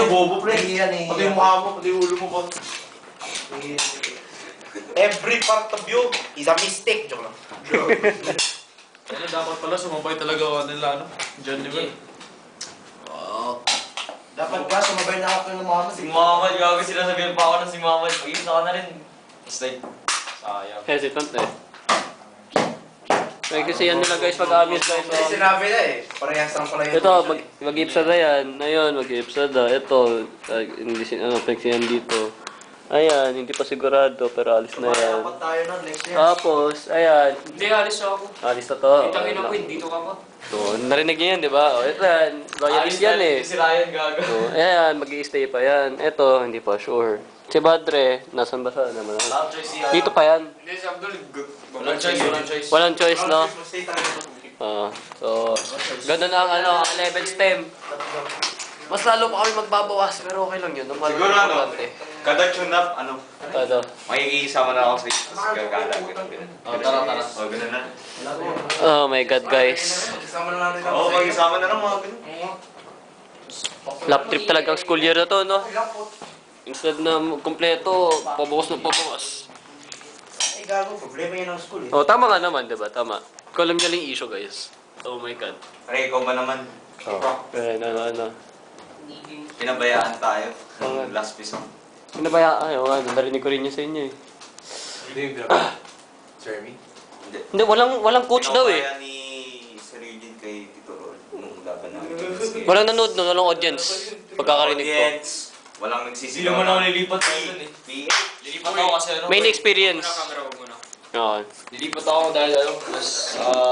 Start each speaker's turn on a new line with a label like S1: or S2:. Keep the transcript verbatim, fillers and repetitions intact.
S1: bobo, pre.
S2: Nahihiya, nahihiya.
S1: Pati yung mukha mo, pati yung ulo mo pa. Every part of you is a mistake. Joke lang.
S3: Ano, dapat pala sumabay talaga ako nila, ano? John, di ba?
S4: Oo.
S2: Dapat ba, sumabay na ako kay Mama.
S4: Si Muhammad, gago sila sabihin pa ako ng si Muhammad. Mag-isa ka na rin. It's like, sayang.
S5: Hesitant eh. May kasi yan nila guys, pag-amis guys.
S2: Kasi
S5: Oh.
S2: sinabi na eh. Parehas lang pala yun.
S5: Ito, mag mag-ipsada yan. Ayun, mag-ipsada. Ito, uh, English, ano, flexion dito. Ayan, hindi pa sigurado, pero alis na yan.
S2: Dapat tayo nun next year.
S5: Tapos, ayan.
S3: Hindi, alis ako.
S5: Alis na to.
S3: Kitang ina ko, hindi to ka pa.
S5: So, narinig niyo yan, di ba? O, ito yan. Loyalist yan eh.
S4: Si Ryan, gago.
S5: So, ayan, mag-i-stay pa yan. Ito, hindi pa sure. Si Badre, nasan ba sa naman?
S4: Walang choice siya.
S5: Dito pa yan.
S3: Hindi, si Abdul,
S4: Walang choice, walang choice.
S5: Walang choice, no?
S2: Stay tayo.
S5: Ah, so, ganun ang ano, ang eleven stem. Mas lalo pa kami magbabawas, pero okay lang yun. Normal
S4: Siguro
S5: lang
S4: ano,
S5: importante.
S4: kada tune up, ano,
S5: Ano?
S4: makikisama na ako sa isip, tapos gagala, ganun, ganun.
S3: Oh, tara, tara.
S4: O, ganun na.
S5: Oh my God, guys.
S2: Kasama na lang rin
S4: Oo, mag-isama na lang mga ganun.
S5: Lap trip talagang school year na to, no? Instead na kumpleto, pabukas na pabukas.
S2: Eh, gago. Problema yun ng school eh.
S5: Oh, tama nga naman, diba? Tama. Ikaw lang niya lang yung issue, guys. Oh my God.
S4: Pre, ikaw ba naman?
S5: Oh. Eh, ano, ano.
S4: Pinabayaan tayo.
S5: Oo.
S4: Last piece.
S5: Ano ba yan? Ay, oh, ano, narinig ko rin yun sa inyo eh.
S1: Hindi yung pinaka. Jeremy?
S4: Hindi.
S5: Hindi, walang, walang coach daw eh.
S4: Pinapaya ni Sir Eugene kay Tito Rol nung laban namin.
S5: Walang nanood, no? Walang audience. Pagkakarinig ko.
S4: Audience. Walang nagsisigaw.
S3: Hindi naman ako nilipat tayo dun eh.
S4: P.
S3: Lilipat ako kasi ano.
S5: Main experience.
S3: Muna camera, wag muna.
S5: Oo.
S3: Lilipat ako dahil ano, mas, ah,